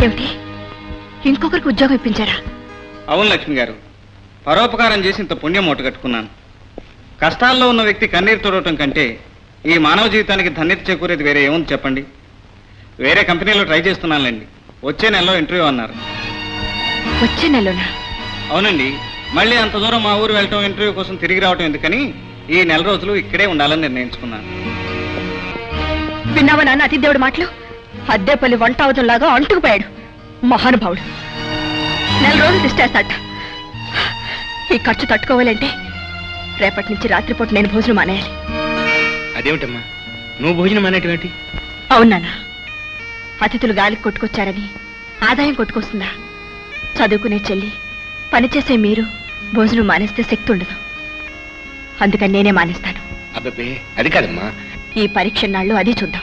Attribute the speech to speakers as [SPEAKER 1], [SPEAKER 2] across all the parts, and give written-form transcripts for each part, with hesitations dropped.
[SPEAKER 1] ఏమిటి, ఇంకొకరికి ఉద్యోగం ఇప్పించారా?
[SPEAKER 2] అవును లక్ష్మి గారు, పరోపకారం చేసి ఇంత పుణ్యం మూట కట్టుకున్నాను. కష్టాల్లో ఉన్న వ్యక్తి కన్నీరు తోడటం కంటే ఈ మానవ జీవితానికి ధన్యత చేకూరేది వేరే ఏముంది చెప్పండి. వేరే కంపెనీలో ట్రై చేస్తున్నానులేండి. వచ్చే నెలలో ఇంటర్వ్యూ అన్నారు.
[SPEAKER 1] వచ్చే నెలలోనా?
[SPEAKER 2] అవునండి. మళ్ళీ అంత దూరం మా ఊరు వెళ్ళటం, ఇంటర్వ్యూ కోసం తిరిగి రావటం ఎందుకని ఈ నెల రోజులు ఇక్కడే ఉండాలని నిర్ణయించుకున్నాను.
[SPEAKER 1] విన్నావా నాన్న అతిథేవుడి మాటలు? అద్దెపల్లి వంట అవుతుంలాగా అంటుకుపోయాడు మహానుభావుడు. నెల రోజులు తిష్టేస్తాట. ఈ ఖర్చు తట్టుకోవాలంటే రేపటి నుంచి రాత్రిపూట నేను భోజనం మానేయాలి.
[SPEAKER 2] అదేమిటమ్మా నువ్వు భోజనం అనేటువంటి?
[SPEAKER 1] అవునానా, అతిథులు గాలికి కొట్టుకొచ్చారని ఆదాయం కొట్టుకొస్తుందా? చదువుకునే చెల్లి, పనిచేసే మీరు భోజనం మానేస్తే శక్తి ఉండదు. అందుకని నేనే మానేస్తాను.
[SPEAKER 2] అబ్బే అది కాదమ్మా,
[SPEAKER 1] ఈ పరీక్ష నాళ్ళు అది చూద్దాం.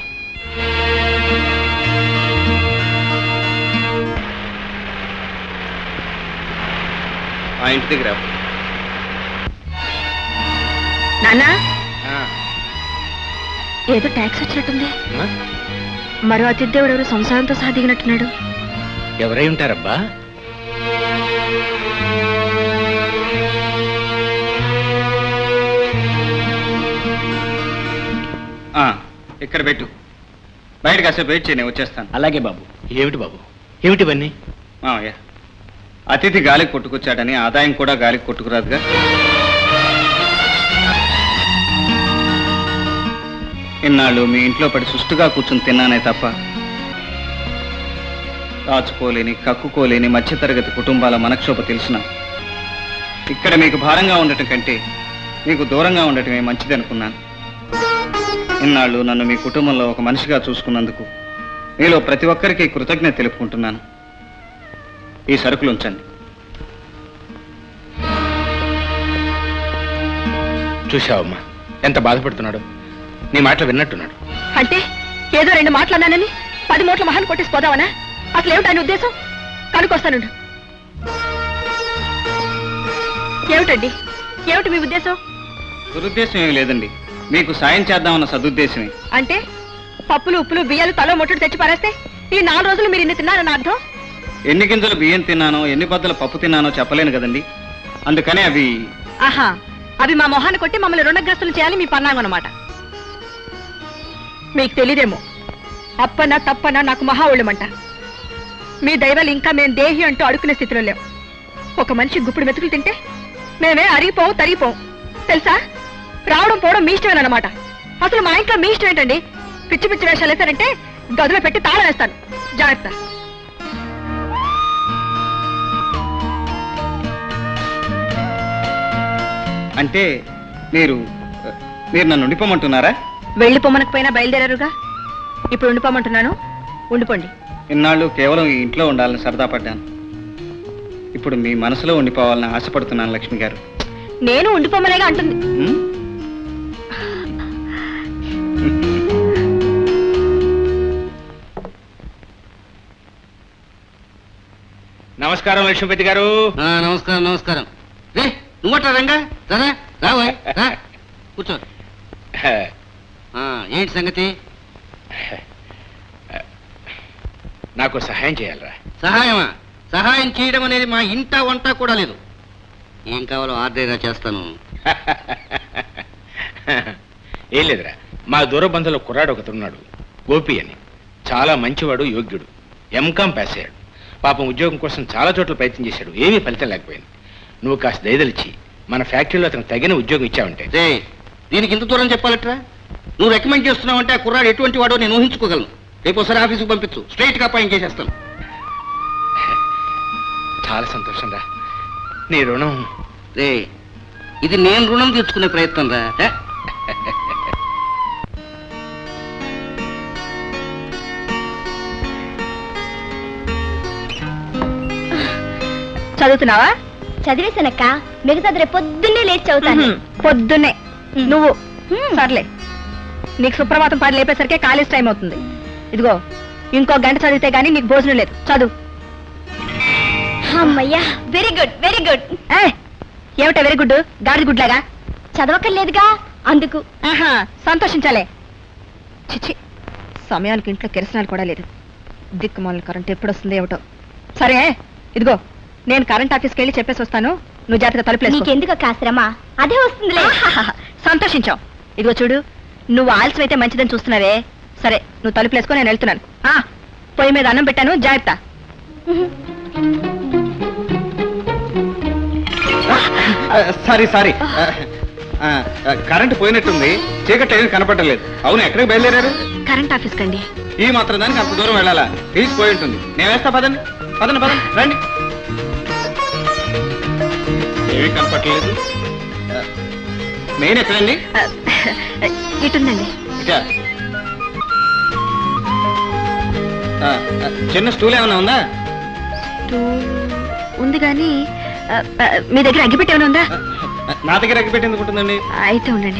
[SPEAKER 2] ఆ ఇంటి దగ్గర
[SPEAKER 1] నాన్నా, ఏదో ట్యాక్స్ వచ్చినట్టుంది. మరో అతిథేవుడు ఎవరు సంసారంతో సహా దిగినట్టున్నాడు.
[SPEAKER 2] ఎవరై ఉంటారబ్బా? ఇక్కడ పెట్టు, బయట కాసేపు వెయిట్ చేయి, నేను వచ్చేస్తాను. అలాగే బాబు. ఏమిటి బాబు, ఏమిటివన్నీ? అతిథి గాలికి కొట్టుకొచ్చాడని ఆదాయం కూడా గాలికి కొట్టుకురాదుగా. ఇన్నాళ్ళు మీ ఇంట్లో పడి సుష్టుగా కూర్చుని తిన్నానే తప్ప దాచుకోలేని, కక్కుకోలేని మధ్యతరగతి కుటుంబాల మనక్షోభ తెలిసిన ఇక్కడ మీకు భారంగా ఉండటం కంటే మీకు దూరంగా ఉండటమే మంచిది అనుకున్నాను. ఇన్నాళ్ళు నన్ను మీ కుటుంబంలో ఒక మనిషిగా చూసుకున్నందుకు మీలో ప్రతి ఒక్కరికి కృతజ్ఞత తెలుపుకుంటున్నాను. ఈ సరుకులు ఉంచండి. చూశావమ్మా ఎంత బాధపడుతున్నాడు. నీ మాటలు విన్నట్టున్నాడు.
[SPEAKER 1] అంటే ఏదో రెండు మాటలు అన్నానని 10 మూట్ల మహాన్ కొట్టేసిపోదావనా? అసలు ఏమిటి ఆయన ఉద్దేశం? కనుకొస్తాను. ఏమిటండి, ఏమిటి మీ ఉద్దేశం?
[SPEAKER 2] దురుద్దేశం ఏమి లేదండి, మీకు సాయం చేద్దామన్న సదుద్దేశమే.
[SPEAKER 1] అంటే పప్పులు, ఉప్పులు, బియ్యాలు తలో మొట్టలు తెచ్చి పారేస్తే ఈ 4 రోజులు మీరు ఇన్ని తిన్నారని అర్థం?
[SPEAKER 2] ఎన్ని గింజలు బియ్యం తిన్నానో, ఎన్ని బద్దలు పప్పు తిన్నానో చెప్పలేను కదండి. అందుకనే అవి
[SPEAKER 1] అవి మా మొహాన్ని కొట్టి మమ్మల్ని రుణగ్రస్తులు చేయాలి మీ పన్నాగం అన్నమాట. మీకు తెలీదేమో, అప్పనా తప్పనా నాకు మహా ఒళ్ళమంట. మీ దైవాలు ఇంకా మేము దేహి అంటూ అడుక్కునే స్థితిలో లేవు. ఒక మనిషి గుప్పుడు మెతుకులు తింటే మేమే అరిగిపోవు, తరిగిపోవు. తెలుసా, రావడం పోవడం మీ ఇష్టమేనమాట. అసలు మా ఇంట్లో మీ ఇష్టం ఏంటండి? పిచ్చి పిచ్చి వేషాలు వేశారంటే గదిలో పెట్టి తాళం వేస్తాను. జాగ్రత్త.
[SPEAKER 2] అంటే మీరు నన్ను ఉండిపోమంటున్నారా?
[SPEAKER 1] వెళ్ళిపోమనకపోయినా బయలుదేరారుగా, ఇప్పుడు ఉండిపోమంటున్నాను. ఉండిపోండి.
[SPEAKER 2] ఇన్నాళ్ళు కేవలం ఈ ఇంట్లో ఉండాలని సరదా పడ్డాను. ఇప్పుడు మీ మనసులో ఉండిపోవాలని ఆశపడుతున్నాను లక్ష్మి గారు.
[SPEAKER 1] నేను ఉండిపోమనేగా అంటుంది.
[SPEAKER 2] నమస్కారం లక్ష్మీపతి గారు.
[SPEAKER 3] నమస్కారం. నమస్కారం. రే నువ్వట రంగా, రావా కూర్చో. ఏంటి సంగతి?
[SPEAKER 2] నాకు సహాయం చేయాలరా.
[SPEAKER 3] సహాయమా? సహాయం చేయడం అనేది మా ఇంట వంట కూడా లేదు. ఏం కావాలో ఆర్డర్ చేస్తాను.
[SPEAKER 2] ఏం లేదురా, మా దూర బంధువుల కుర్రాడు ఒకతున్నాడు, గోపి అని. చాలా మంచివాడు, యోగ్యుడు. ఎంకాం పాస్ అయ్యాడు. పాపం ఉద్యోగం కోసం చాలా చోట్ల ప్రయత్నం చేశాడు, ఏమీ ఫలితం లేకపోయింది. నువ్వు కాస్త దయదలిచి మన ఫ్యాక్టరీలో అతను తగిన ఉద్యోగం ఇచ్చావంటే.
[SPEAKER 3] దీనికి ఇంత దూరం చెప్పాలట్రా? నువ్వు రికమెండ్ చేస్తున్నావంటే ఆ కుర్రాడు ఎటువంటి వాడో నేను ఊహించుకోగలను. రేపు ఒకసారి ఆఫీసుకు పంపించు, స్ట్రైట్ గా అపాయింట్ చేసేస్తాను.
[SPEAKER 2] చాలా సంతోషం రా. నీ రుణం.
[SPEAKER 3] రే ఇది నేను రుణం తీర్చుకునే ప్రయత్నం రా.
[SPEAKER 1] చదువుతున్నావా?
[SPEAKER 4] చదివేశానక్క, మిగతాది రేపు పొద్దున్నే లేచి చదువుతాను.
[SPEAKER 1] పొద్దున్నే నువ్వు? సర్లే, నీకు సుప్రభాతం పాటలు లేపేసరికి కాలేజ్ టైం అవుతుంది. ఇదిగో ఇంకో గంట చదివితే గానీ నీకు భోజనం లేదు. చదువు.
[SPEAKER 4] అమ్మయ్యా, వెరీ గుడ్ వెరీ గుడ్.
[SPEAKER 1] ఏమిటా వెరీ గుడ్? గాడి గుడ్లాగా
[SPEAKER 4] చదవక్కర్లేదుగా అందుకు.
[SPEAKER 1] సంతోషించాలే. చిచ్చి, సమయానికి ఇంట్లో కిరసనాలు కూడా లేదు. దిక్కుమాల కరెంట్ ఎప్పుడు వస్తుంది ఏమిటో. సరే ఇదిగో, నేను కరెంట్ ఆఫీస్కి వెళ్ళి చెప్పేసి వస్తాను. నువ్వు జాగ్రత్తగా తలుపులేసుకో.
[SPEAKER 4] నీకెందుకు కాశ్రమ, అదే వస్తుందిలే.
[SPEAKER 1] సంతోషించావు. ఇదిగో చూడు, నువ్వు ఆలస్యం అయితే మంచిదని చూస్తున్నావే. సరే నువ్వు తలుపులేసుకో, నేను వెళ్తున్నాను. పొయ్యి మీద అన్నం పెట్టాను, జాగ్రత్త.
[SPEAKER 2] సారీ సారీ, కరెంట్ పోయినట్టుంది, చీకటి ఏమీ కనపడలేదు. అవును, ఎక్కడికి బయలుదేరారు?
[SPEAKER 1] కరెంట్ ఆఫీస్ కండి.
[SPEAKER 2] ఈ మాత్రం దానికి అంత దూరం వెళ్ళాలా? తీసిపోయి ఉంటుంది. నేను వేస్తా, పదండి పదండి పదండి, రండి. ఏమీ కనపడలేదు. మెయిన్ ఎక్కడండి?
[SPEAKER 1] ఇటుందండి.
[SPEAKER 2] ఇటా? చిన్న స్టూల్ ఏమైనా ఉందా?
[SPEAKER 1] ఉంది కానీ మీ దగ్గర అగ్గిపెట్టి ఏమైనా ఉందా?
[SPEAKER 2] నా దగ్గర అగ్గిపెట్టి ఎందుకు ఉంటుందండి?
[SPEAKER 1] అయితే ఉండండి.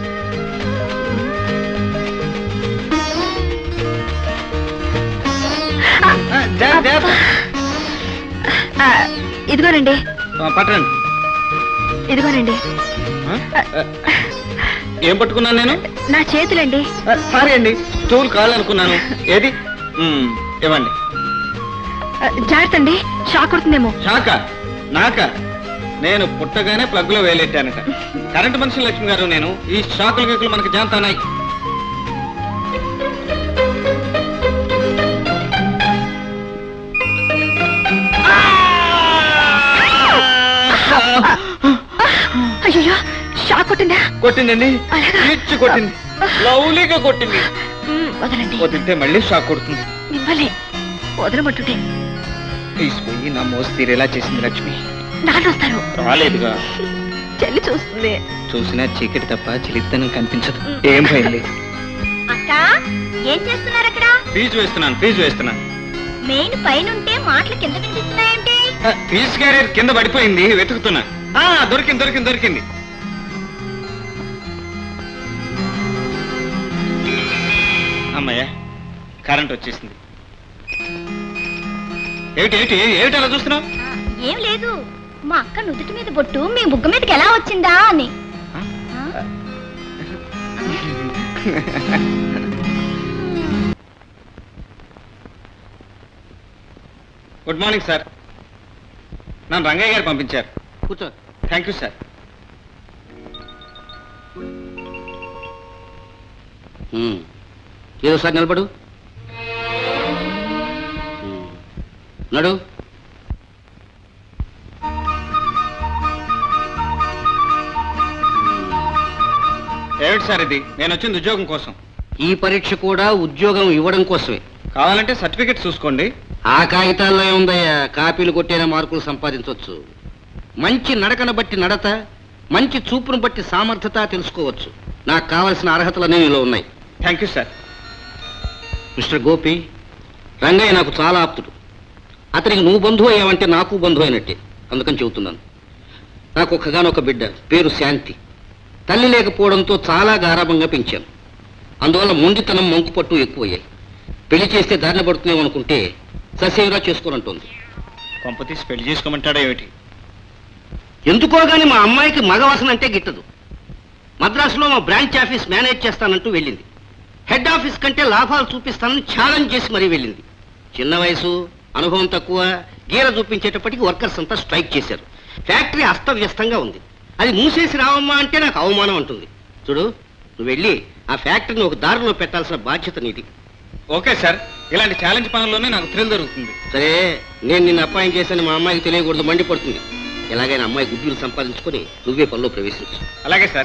[SPEAKER 1] ఇదిగోనండి.
[SPEAKER 2] పట్టండి.
[SPEAKER 1] ఇదిగోనండి.
[SPEAKER 2] ఏం పట్టుకున్నాను నేను?
[SPEAKER 1] నా చేతులండి.
[SPEAKER 2] సారీ అండి, స్టూల్ కావాలనుకున్నాను. ఏది? ఇవ్వండి.
[SPEAKER 1] జాగ్రత్త అండి, షాక్ కొడుతుందేమో.
[SPEAKER 2] షాకా? నాకా? నేను పుట్టగానే ప్లగ్ లో వేలెట్టానట. కరెంటు మనిషి లక్ష్మి గారు నేను. ఈ షాకులు గీకులు మనకి జాంతానాయి.
[SPEAKER 1] అయ్యో, షాక్ కొట్టిందా?
[SPEAKER 2] కొట్టిందండి, ఇచ్చి కొట్టింది, లవ్లీగా కొట్టింది.
[SPEAKER 1] వదలండి.
[SPEAKER 2] వదిలితే మళ్ళీ షాక్ కొడుతుంది.
[SPEAKER 1] మిమ్మల్ని వదలమంటుంటే
[SPEAKER 2] తీసిపోయి నా మోసి తీరేలా చేసింది లక్ష్మి.
[SPEAKER 1] నాన్న వస్తారు.
[SPEAKER 2] రాలేదుగా.
[SPEAKER 1] చెల్లి చూస్తుంది.
[SPEAKER 2] చూసినా చీకటి తప్ప చిలిత్తనం కనిపించదు. ఏం భయం లేదు.
[SPEAKER 4] అక్క, ఏం చేస్తున్నారు అక్కడ?
[SPEAKER 2] ఫీజు వేస్తున్నాను.
[SPEAKER 4] మెయిన్ పైన ఉంటే మాటలు కింద వినిపిస్తున్నాయంటే?
[SPEAKER 2] ఫీజు క్యారియర్ కింద పడిపోయింది, వెతుకుతున్నా. దొరికింది. అమ్మయ్య, కరెంట్ వచ్చేసింది. ఏమిటి అలా చూస్తున్నావు?
[SPEAKER 4] ఏం లేదు, మా అక్క నుదుటి మీద బొట్టు మీ బుగ్గ మీదకి ఎలా వచ్చిందా అని.
[SPEAKER 2] Good morning sir. నన్ను రంగయ్య గారు పంపించారు.
[SPEAKER 3] కూర్చో.
[SPEAKER 2] Thank you sir.
[SPEAKER 3] ఏదోసారి నిలబడు. నడు.
[SPEAKER 2] ఏమిటి సార్ ఇది? నేను వచ్చింది ఉద్యోగం కోసం.
[SPEAKER 3] ఈ పరీక్ష కూడా ఉద్యోగం ఇవ్వడం కోసమే.
[SPEAKER 2] కావాలంటే సర్టిఫికెట్ చూసుకోండి.
[SPEAKER 3] ఆ కాగితాల్లో ఏముందయ్యా, కాపీలు కొట్టేన మార్కులు సంపాదించవచ్చు. మంచి నడకను బట్టి నడత, మంచి చూపును బట్టి సామర్థ్యత తెలుసుకోవచ్చు. నాకు కావలసిన అర్హతలన్నీ నీలో ఉన్నాయి.
[SPEAKER 2] Thank you sir.
[SPEAKER 3] Mister Gopi, Rangaiah నాకు చాలా ఆప్తుడు. అతనికి నువ్వు బంధువు అయ్యావంటే నాకు బంధువు అయినట్టే. అందుకని చెబుతున్నాను. నాకు ఒక్కగానొక బిడ్డ, పేరు శాంతి. తల్లి లేకపోవడంతో చాలా గారాభంగా పెంచాను. అందువల్ల మొండితనం, మంకుపట్టు ఎక్కువయ్యాయి. పెళ్లి చేస్తే దారిన పడుతున్నామనుకుంటే ససేమిరా చేసుకోనంటోంది.
[SPEAKER 2] కొంపతీసి పెళ్లి చేసుకోమంటాడా ఏమిటి?
[SPEAKER 3] ఎందుకో గాని మా అమ్మాయికి మగవాసన అంటే గిట్టదు. మద్రాసులో మా బ్రాంచ్ ఆఫీస్ మేనేజ్ చేస్తానంటూ వెళ్ళింది. హెడ్ ఆఫీస్ కంటే లాభాలు చూపిస్తానని ఛాలెంజ్ చేసి మరీ వెళ్ళింది. చిన్న వయసు, అనుభవం తక్కువ, గీర చూపించేటప్పటికి వర్కర్స్ అంతా స్ట్రైక్ చేశారు. ఫ్యాక్టరీ అస్తవ్యస్తంగా ఉంది. అది మూసేసి రావమ్మా అంటే నాకు అవమానం అంటుంది. చూడు, నువ్వు వెళ్ళి ఆ ఫ్యాక్టరీని ఒక దారిలో పెట్టాల్సిన బాధ్యత నీది.
[SPEAKER 2] ఓకే సార్, ఇలాంటి ఛాలెంజ్ పనుల్లోనే నాకు థ్రిల్ దొరుకుతుంది.
[SPEAKER 3] సరే, నేను నిన్ను అపాయింట్ చేశాను మా అమ్మాయికి తెలియకూడదు, మండిపడుతుంది. ఎలాగైనా అమ్మాయి గుడ్డులు సంపాదించుకొని నువ్వే పనిలో ప్రవేశించు.
[SPEAKER 2] అలాగే సార్.